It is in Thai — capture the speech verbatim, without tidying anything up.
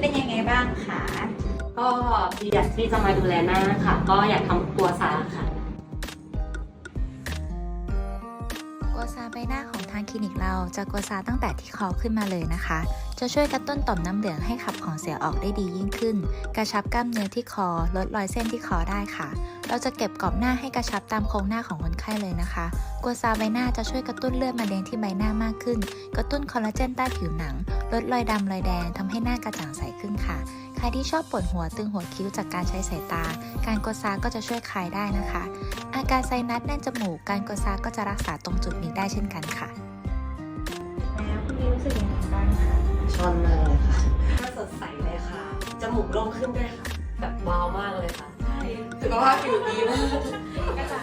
เป็นยังไงบ้างคะก็อยากที่จะมาดูแลหน้าค่ะ ก็อยากทำกัวซาค่ะกัวซาใบหน้าของทางคลินิกเราจะกัวซาตั้งแต่ที่คอขึ้นมาเลยนะคะ จะช่วยกระตุ้นต่อมน้ำเหลืองให้ขับของเสียออกได้ดียิ่งขึ้น กระชับกล้ามเนื้อที่คอลดรอยเส้นที่คอได้ค่ะ เราจะเก็บกรอบหน้าให้กระชับตามโครงหน้าของคนไข้เลยนะคะกัวซาใบหน้าจะช่วยกระตุ้นเลือดมาเลี้ยงที่ใบหน้ามากขึ้น กระตุ้นคอลลาเจนใต้ผิวหนังลดรอยดำรอยแดงทำให้หน้ากระจ่างใสขึ้นค่ะใครที่ชอบปวดหัวตึงหัวคิ้วจากการใช้สายตาการกัวซาก็จะช่วยคลายได้นะคะอาการไซนัสแน่นจมูกการกัวซาก็จะรักษาตรงจุดนี้ได้เช่นกันค่ะแล้วคุณมีรู้สึกยังไงบ้างคะชอบมากเลยค่ะหน้าสดใสเลยค่ะ จมูกโล่งขึ้นด้วยค่ะ แบบว้าวมากเลยค่ะ ใช่สุขภาพผิวดีมากกระจ่าง